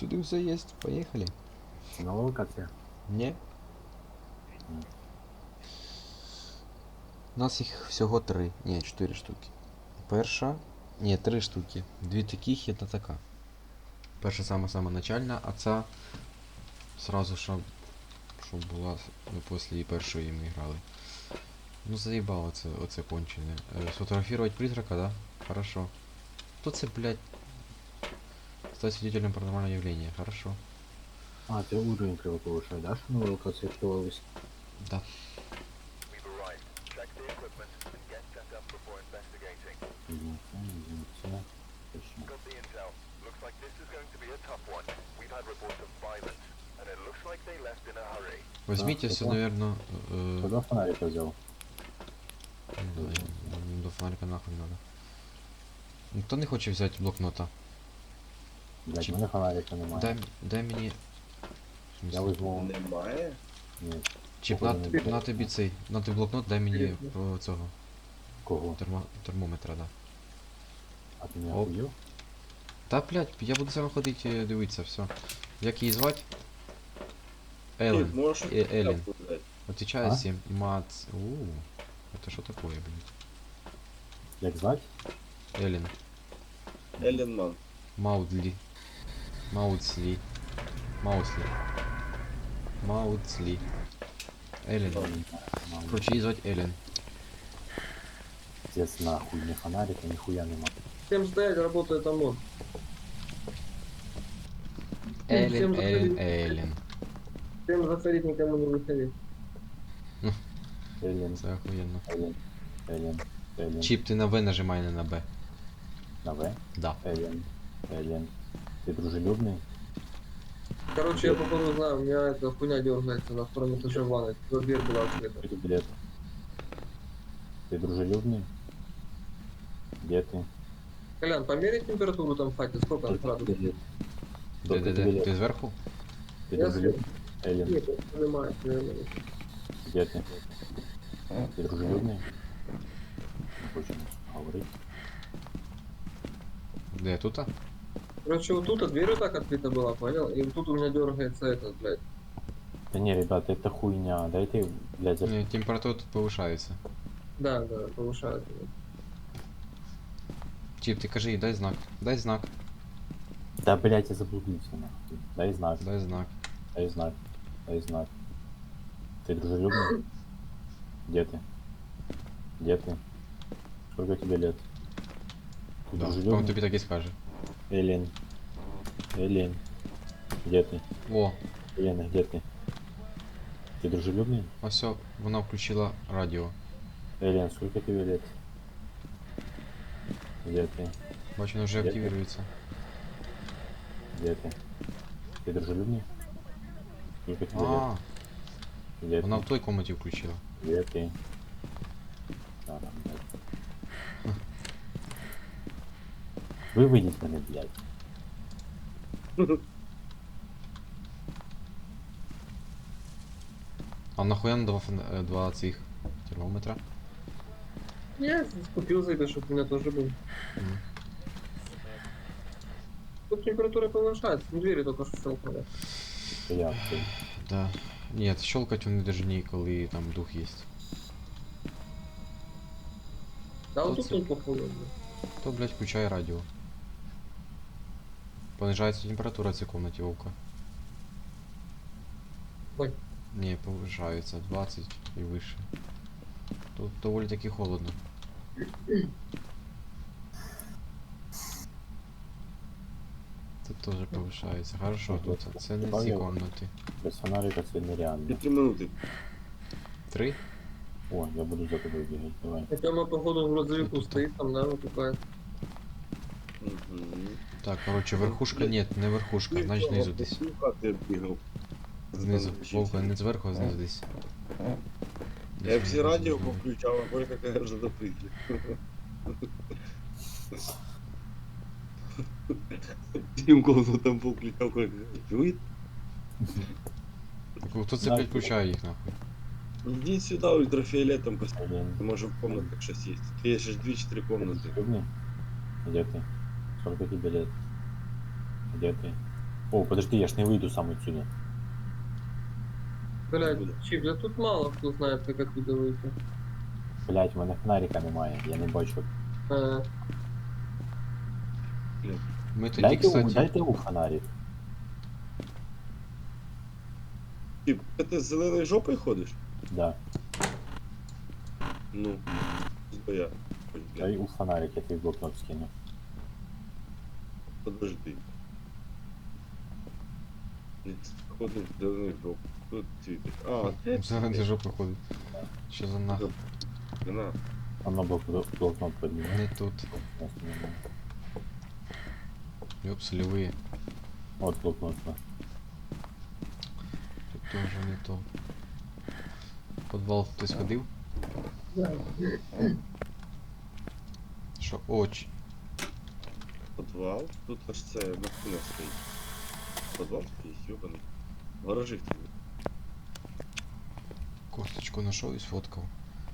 Сюди все есть, поехали. Новая локация? Ні. У нас їх всього 3. Ні, 4 штуки. Перша. Ні, 3 штуки. 2 таких і одна така. Перша сама начальна, а ця сразу щоб була після її першої ми грали. Ну заїбало оце кончене. Сфотографировать призрака, да? Хорошо. Кто це, блядь? Стать свидетелем паранормального явления. Хорошо. А, ты уровень криво повышай, да? Что новая локация открывалась? Да. Точно. Возьмите все, наверное... Куда фонарика взял? До фонарика нахуй надо. Ніхто не хоче взяти блокнота. Блять, Чип. у меня фонарика немає. Дай мені... Я возьму... Немає? Нет. Чіп, Походу, не на тобі цей, на тобі блокнот, дай мені цього Кого? термометра, да. А ты меня Оп. охуел? Та, блядь, я буду сам ходити дивитися, все. Як її звати? Елен. Можешь Елен. сказать? Отвечаю А? 7. Мац. Это что такое, блядь? Як звать? Эллен. Элленман. Маудли. Маудсли. Маусли. Маудсли. Эллен. Короче, її звати Елен. Пиздец, нахуй, ни фонарика, нихуя нема. Всем стоять, работает ОМОН. Елен, Елен, Елен. Всем заходить, никому не выходить. Элен, Це охуєнно. Элен. Чіп, ти на В нажимай, не на Б. На В? Да. Элен. Ты дружелюбный? Короче, я походу знаю, у меня эта хуйня дергается на втором этаже ванной. Дверь была открыта. Какой билет? Ты дружелюбный? Где ты? Колян, померяй температуру там в хате, сколько там градусов? Билет. Де, Сколько де, тебе де? лет? Ти зверху? Ты Я дружелюбный? Элен, Нет, я понимаю, наверное. где ты? Ты дружелюбный? Не хочешь говорить? Де, тут? Короче, вот тут дверь вот так открыта была, понял? И вот тут у меня дергается этот, блядь. Да не, ребята, это хуйня. Дайте, блядь, за... Ні, температура тут повишається. Да, повышает. Чіп, ти кажи їй, дай знак. Дай знак. Да, блядь, я заблудился, нахуй. Дай знак, Дай знак. дай знак, дай знак. Ты дружелюбный? Где ты? Где ты? Сколько тебе лет? Ты Да, дружелюбный? он тобі так і скаже. Элен. Элен. Где ты? О, Елена, где ты? Ты дружелюбный? ось все, вона включила радіо. Элен, сколько тебе лет? Где ты? Бачу, вона вже Де ти? активірується. Где ты? Ты дружелюбный? Сколько тебе лет? А, Где вона ты? в той комнаті включила. Где ты? Да, там, блядь. Вы выйдите на блядь. А нахуя на два цих термометра? Я купил за это, чтобы у меня тоже был. Мгм. Тут температура повышается, двери только что щелкнули. Я ты. Да. Нет, щелкать вони даже не коли там дух есть. Да, вот Тут тут походу. блядь. То, блядь, включай радіо. Понижається температура в цій комнаті, Вовка. Ой. Не, повышается 20 и выше. Тут доволі таки холодно. Тут тоже повышается. Хорошо, тут це не ці комнати. Без фонарика это нереально. 3 минуты. 3? О, я буду за тобой бегать, давай. Хотя мы походу в грузовику Тут. стоит там, да, вот такая. Мгм. Так, короче, верхушка, нет, не верхушка, значить знизу десь. Ти бігав. Знизу. Вовка, не зверху, а знизу десь. Я всі радіо Знизу. включав, а Боря какая вже запиті. Тим голову там повключав, коли чуєте? Так, хто це підключає їх нахуй? Иди сюда, ультрафиолетом посмотри. Элен, Может в комнатах сейчас есть. Есть же 2-4 ты комнаты. дружелюбный? Где ты? Сколько тебе лет? Где ты? О, подожди, я ж не выйду сам отсюда. Блядь, Откуда? Чип, да тут мало кто знает, как оттуда выйти. Блять, в мене фонарика немає, я не бачу. А, Ми тоді, Дайте, кстати, дайте у фонарик. Ти з зеленою жопою ходиш? Да. Ну, я. Дай у фонарик, я твій блокнот скину. Подожди. Ходиш в зеленою жопою. Тут світиш. А, зелений жопи ходить. Що за нах? на. Оно блокнот поднимай. Не тут. Ёпс, левые. Вот блокнот. Да. Тут тоже не то. В подвал хтось ходив? да. Що? Оч. Подвал. Тут аж це машина стоїть. Подвал такий, ёбаний. В гаражі в тебе. Косточку знайшов і сфоткав.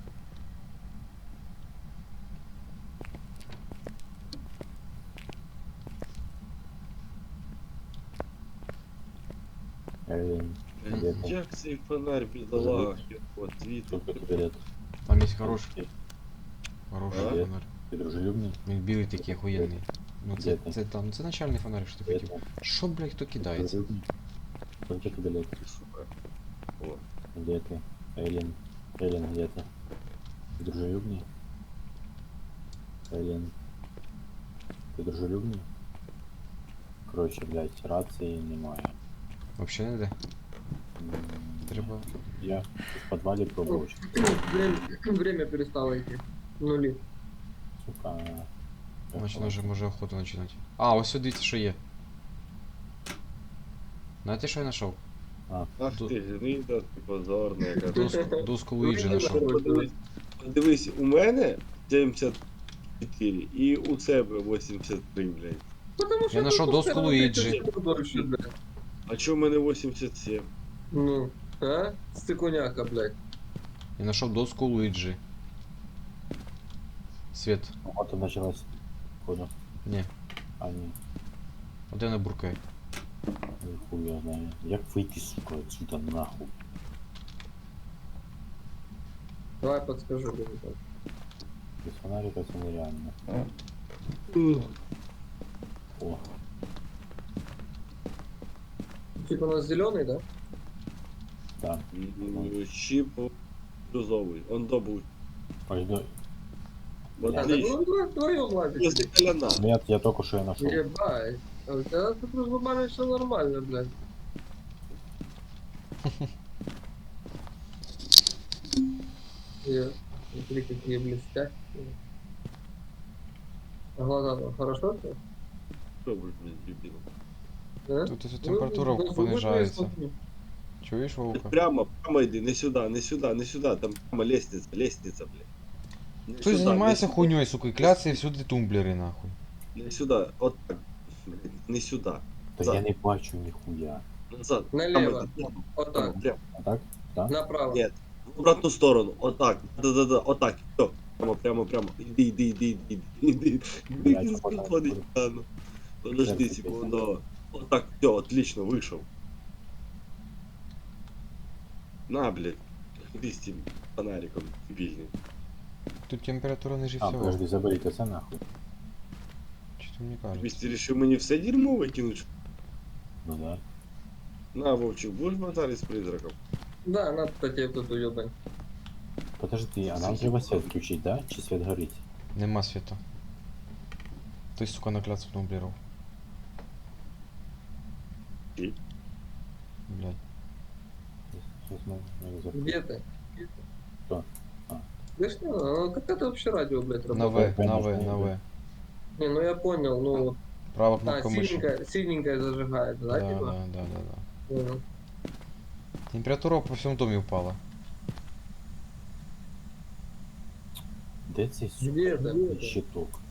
Где ты? Як цей фонарь бідолах, от звідти. Сколько билет? Там є хороший. Хороший А? фонарь. Ты дружелюбный? Він білий такий охуєнний. Ну Де це, ти? це там, це начальний фонарик, що ти Где хотів. ты? Що, блядь, хто кидається? Дружелюбный? Сколько ты билет? Сука. О, Где ты? Эллен. Эллен, где ты? Ты дружелюбный? Эллен. Ты дружелюбный? Короче, блядь, рации немає. Вообще не де? М, Треба. Я в подвале пробовал, Время перестало идти. Нули. сука. Значить, вже може охоту починати. А, ось сюди дивіться, що є. Знаєте, що я знайшов? ах ти, гнида, ти позорна, яка. Доску Луїджі знайшов. Подивись, у мене 74 і у себе 83, блядь. Потому Я нашел тут доску всё равно Луиджи. 30 дольше, блядь. А чо в мене 87? Ну, а? Стыкуняка, блядь. Я знайшов доску Луїджі. Свет. Вот и началась. Понял. Ні. А, не. А де вона буркає? Ну, хуй я знаю. Як вийти, сука, отсюда нахуй? Давай подскажу, ребят. Без фонарика це нереально. О, Типа у нас зеленый, да? да. Чіп розовий. Он добув. Ось до... Вот Бля. А, так отлично. ну вдвоем ладно. Если коляна. Нет, я только что ее нашел. Ебать. А у тебя тут глобально все нормально, блядь. Смотри, какие блестят. А глаза там хорошо все? Що ви, блядь, дебіл? Да? Тут ось температура понижається. Чуєш, Вовка? Прямо йди, не сюди, не сюди, не сюди. Там прямо лестниця, блядь. Не Хтось сюди, займається не хуйньою, сука, і кляться і всюди тумблери, нахуй. сюди, не сюди. От так. Блядь, не сюди. Да Назад. я не бачу нихуя. Назад. Налево. Прямо, Вот прямо, так. прямо. А так? Да? Направо. Нет. В обратну сторону. Отак. Да-да-да. Отак. Все. Прямо. Іди. Блядь, Він отак. заходить. А, ну. Подожди Серце секунду. Отак. Все, отлично, вийшов. На, блядь. Іди з цим фонариком дебільним. Тут температура ниже А, всього. подожди, заберите це нахуй. Чи ти мені кажеш? Тобі ти рішив мені все дерьмо викинуть? Ну да. На, Вовчик, будеш базарити з призраком? Да, надо кстати тут уебань. Подожди, а нам треба свет включить, да? Чи свет горить? Нема світу. Ти, сука, накляцав тумблеров. І? Блядь. Сейчас мы закрыть. Где ты? Что? А. Да что, ну как это вообще радио, блядь, На работает? В, на В, Конечно, на В. Не, ну я понял, ну, Права а, кнопка миши. синенькая зажигает, да, Да, типа? да. Понял. Температура по всьому домі впала. Де цей, сука, Где это? щиток?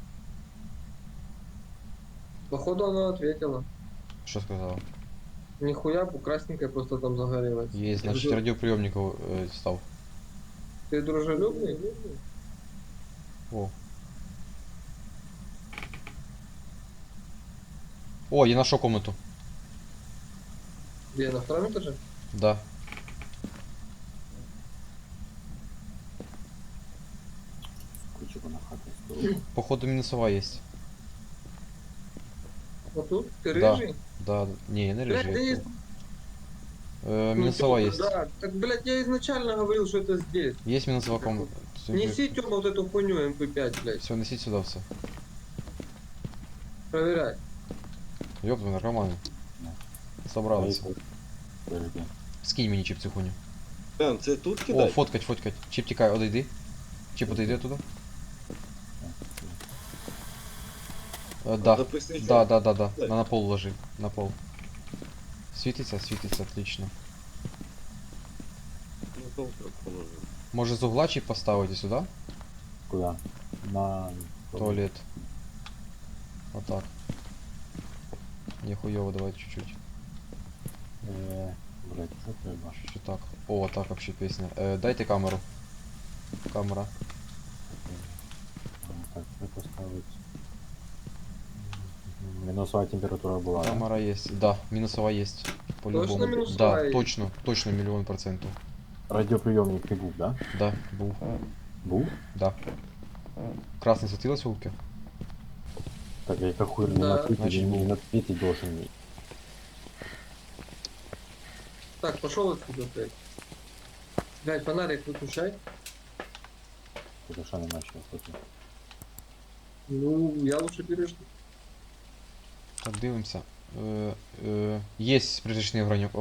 Походу она ответила. Що сказала? Нихуя, красненькая просто там загорелась. Є, значить, радіоприйомник став. Ты дружелюбный? О. О, я нашел комнату. Где, на втором этаже? Да. Ключик на хату стоит. Походу минусова есть. Вот тут? Ты Да. рыжий? Да, не, не Блядь, да рыжий. есть... Минусова Тёма, есть. Да, так, блядь, я изначально говорил, что это здесь. Есть минусова ком. Неси, Тёма, вот эту хуйню МП5, блядь. Все, носить сюда все. Проверяй. Ёб твой наркоманы. Собрался. Подожди. Скинь мені чіп цю хуйню. Прям, це тут О, кидай? фоткать, фоткать. Чіп тікай, одійди. Чіп одійди туди. Да. Записничок. Да. Дай. На пол ложи. На пол. Світиться, отлично. Ну, добре, положив. Може з угла чіп поставити сюди? Куда? На Туалет. Вот так. Не хуёво, давай чуть-чуть. Блять, что ты ебашь? Чуть так. О, вот так вообще песня. Дайте камеру. Камера. Так, что поставить? Минусовая температура была, да? Камера есть. Да, минусовая есть. По-любому. Точно минусовая Да, есть? точно, 1000000%. Радиоприемник фигур, да? Да, был. Был? Да. Красный светилось в улке? Так, я как хуй Да. на ответить, Значит, был. не ответить должен. Так, пошел отсюда, блядь. Блядь, фонарик выключай. Это что не начал, кстати. Ну, я лучше пережду. Так, дивимося. Есть призрачний огонек.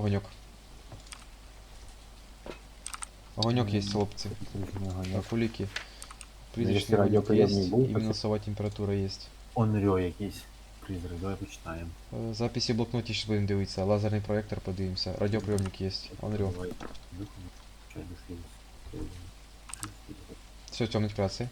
Огонек есть, хлопці. Так, уліки. Призрачний огонек радіоприйомник есть, був, и так- минусовая температура есть. Онрё якийсь призрак, давай почитаємо. Записи в блокноті ще будемо дивитися. Лазерний проектор подивимося. Радіоприйомник есть. Unreal. Давай. Чай души. Все, темный краси.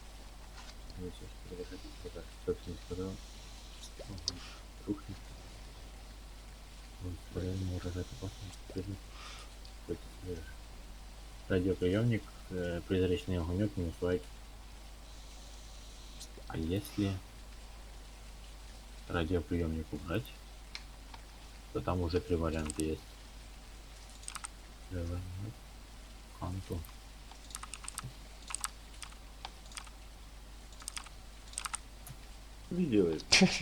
Радиоприемник, призрачный огонек, минус лайк. А если радиоприемник убрать, то там уже 3 варианта есть. Анту. Видели?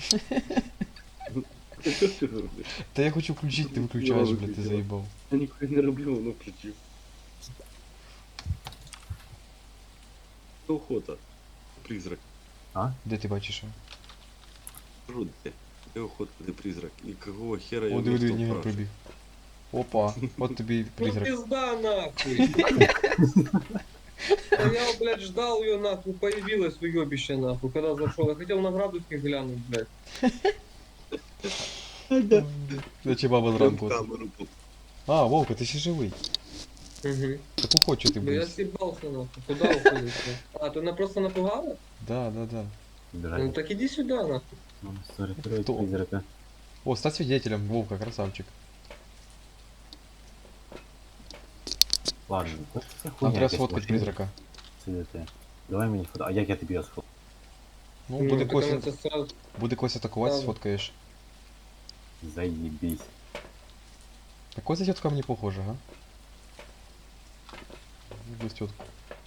Що ти робиш? Та я хочу включити, ти виключаєш, блядь, ти заїбав. Я ніхуя не роблю, воно включив. Це охота. Призрак. А? Де ти бачиш? його? Кажу, де охота, де призрак. І какого хера О, його диви, ніхто не впрашує? прибіг. Опа, от тобі Ну призрак. пизда нахуй. А я, блядь, ждал ее нахуй, появилась уебище нахуй, когда зашел. Я хотел на градусник глянуть, блядь. Зачем баба зранку? Камеру А, Вовка, ти ще живий. Угу. Так уходь, ти Ну я будеш. съебался нахуй. Куда уходишь? А, ты просто напугала? Да. Ну так иди сюда нахуй. Кто? Призрака. О, стать свидетелем, Вовка, красавчик. Ладно, Нам треба сфоткати призрака. Давай мені фото. А як я тобі його сфоткаю? Ну, Ну, буде так когось, она это сразу... буде когось атакувати, Ладно. сфоткаєш. Заебись. Какой за тетка мне похожа, а? Без тетку.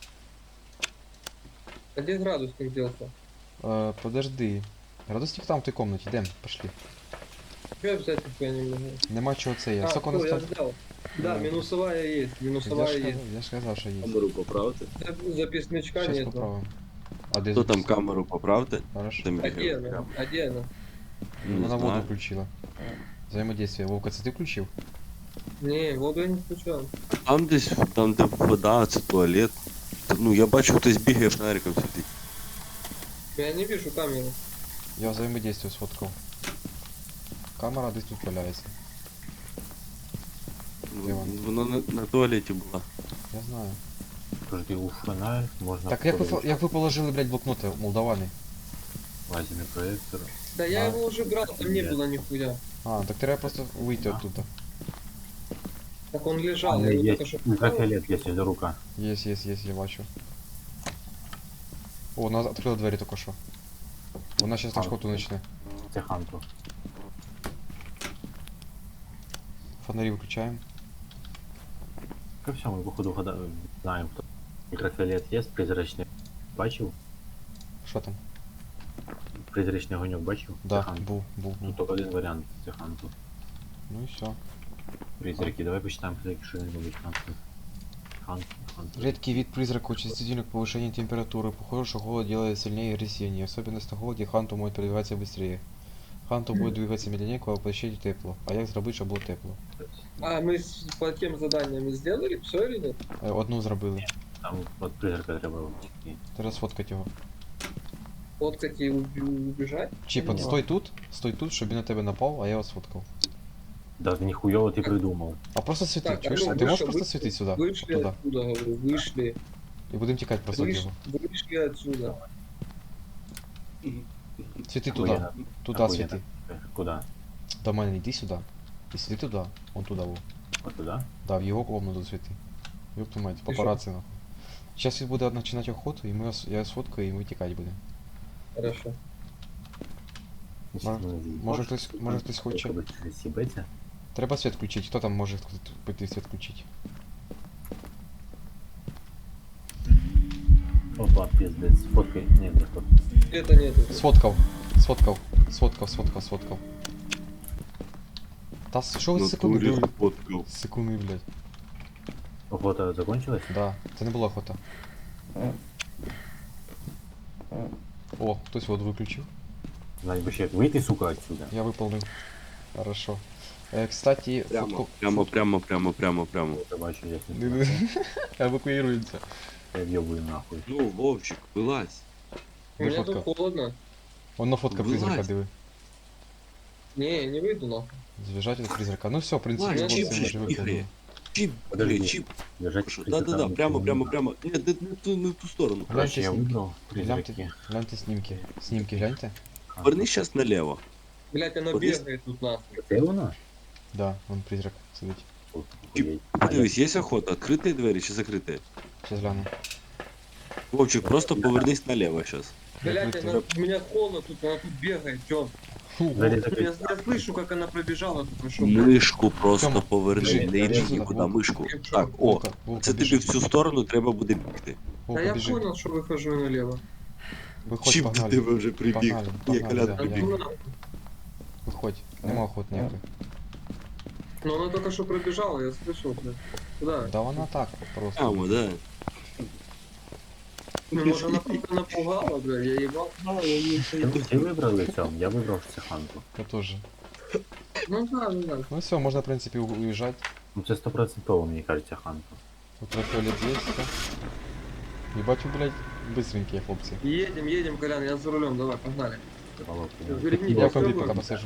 А где градусник делся? Подожди. Градусник там в той комнаті, йдем, пошли. Чё я взять нихуя не могу? Нема чого це я. Сколько у нас всё, я там? взял. Да, Ну. минусовая есть, минусовая есть. Я ж казав, що є. камеру поправте. Записничка Сейчас нет. поправим. А де Хто там запис? камеру поправте? Хорошо. Там А где бігає. она? А где она? Не Вона воду знаю. включила. Взаимодействие. Вовка, це ти включив? Не, воду я не включал. Там десь, там де вода, це туалет. Ну, я бачу, хтось бігає фонариком сидить. Я не вижу камеру. Я взаимодействие сфоткав. Камера десь тут валяється. Де вона? Воно на туалеті була. Я знаю. Подожди, у фонарь можно... Так як ви положили, блядь, блокноти, молдавани? Лазерный проектор. Да я А. его уже брал, там не было нихуя. А, так треба просто вийти А. оттуда. Так он лежал, А, я его есть. только что... Ультрафиолет есть, это рука. Есть, я бачу. О, вона відкрила двері тільки що. Вона зараз А. охоту почне. Це ханту. фонарі виключаємо. Ко всьому, походу, знаємо, хто. Мікрофіолет є, призрачний. Бачив? Що там? Призрачний огоньок бачив? Да, Це Хант. був. Ну, тільки один варіант, це Ханту. Ну і все. Призраки, давай почитаем, что нибудь Ханту. Ханту. Редкий вид призрака чувствительный к повышению температуры. Похоже, что голод делает сильнее и агрессивнее. Особенность на голоде Ханту может передвигаться быстрее. Ханту будет двигаться медленнее, коли воплощение тепло. А як зробити, щоб було тепло? А мы по тем заданиями сделали все или нет? Одну зробили. Там от призрака треба втекти. Треба сфоткати його. Фоткать и убежать? Чіп, от стой тут, щоб він на тебе напав, а я його сфоткав. Да, ніхуйово ти придумав. А просто світи, Так, чуєш? ну, Ти можеш вышли, просто вышли, світити сюди? Вышли Туда. отсюда, говорю, вышли. І будемо тікати просто від його. Вышли отсюда. Світи Охуєнно. туди. Туди Охуєнно. світи. Куда? До мене йди сюди. І світи туди. Он туди був. От туди? Да, в його комнату світи. Ёб твою мать, папараці нахуй. Сейчас він буде починати охоту, і я сфоткаю, і ми тікати будемо. Хорошо. Може хтось хоче. Сібеться? Треба світ включити. Хто там може піти світ включити? Опа, пиздец. Фоткай. Ні, не фоткай. Это нету. Сфоткав. Та що ви На секунди турі були? сфоткав. Секунди, блядь. Охота закончилась? Да, це не була охота. О, хтось воду виключив. Знать би ще як вийти, сука, отсюда. Я выполнил. Хорошо. Кстати, Прямо, фотку... прямо. Я бачу, я не знаю. Эвакуируемся. Я в'єбую нахуй. Ну, Вовчик, вилазь. У меня фотка? тут холодно. Он на фотка Вылазь. призрака, диви. Не, не выйду нахуй. Завяжать от призрака. Ну все, в принципе, Ладно, вот чип мы же же выполнили. игры. Чип, Подожди. блядь, чип. Лежать Що? Да-да-да, прямо. Ні, не в ту сторону. Короче, я Гляньте вибрав призраки. Гляньте снимки. Снимки гляньте. Поверни сейчас налево. Блять, она Вот есть- бегает тут нахуй. Це вона? Да, он призрак сидит. Охуєть. Подивись, є охота, відкриті двері чи закриті? Сейчас гляну. Вовчик, просто повернись налево сейчас. Блять, Закрыто. она, у меня холодно тут, она тут бегает, Тём. Двері Я, закриті. я слышу, как она пробежала только что. Мишку просто Тьома, поверни, біжи, не йди біжи сюди, нікуди, Вовк. мишку. Біжу. Так, о, Волка, це тобі бежи. в цю сторону треба буде бігти. Да Волка, я бежи. понял, что выхожу налево. Выходь, Чіп до погнали. тебе вже прибіг. Погнали, Ні, погнали, Колян да, Да прибіг. ну нахуй. Выходь. Нема охот ніякої. Но она только что пробежала, я слышал, блядь. Куда? Да вона так просто. Прямо, да. Ну, может, она просто напугала, бля, я ебал. Всі вибрали цьому? Я вибрав це Ханту. Я тоже. Ну да, ну да. Ну все, можно в принципе уезжать. Ну це 100% мені кажеться Ханту. Ультрафиолет есть, да? Ебать вы, блядь, быстренькие хлопцы. Едем, Колян, я за рулем, давай, погнали. Верни, Я в всё, компе вот. пока посажу.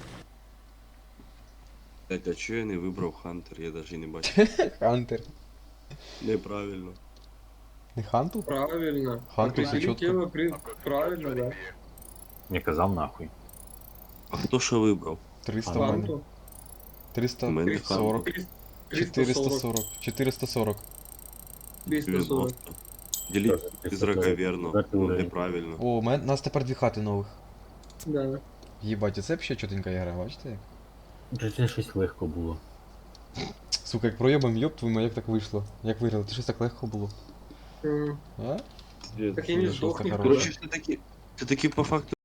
Блять, а чого я не вибрав Хантер? Я навіть не бачив. Хантер. Неправильно. Не Ханту? Правильно. Ханту, Определи всё чётко. тело правильно, да. Не казав нахуй. А хто що вибрав? 300 в мене. Ханту. У 340. мене 40. 440. 440. 340. Діліть призрака вірно. Четвертий Ну, уровень. неправильно. О, у нас тепер дві хати нових. Да. Єбать, це взагалі чотенька гра, бачите? як? Вже це щось легко було. Сука, як проєбом, йоп твою, мать, як так вийшло? Як виграли? Це щось так легко було. А? Так я не Що сдох це никуда. хороше? Короче, все таки по факту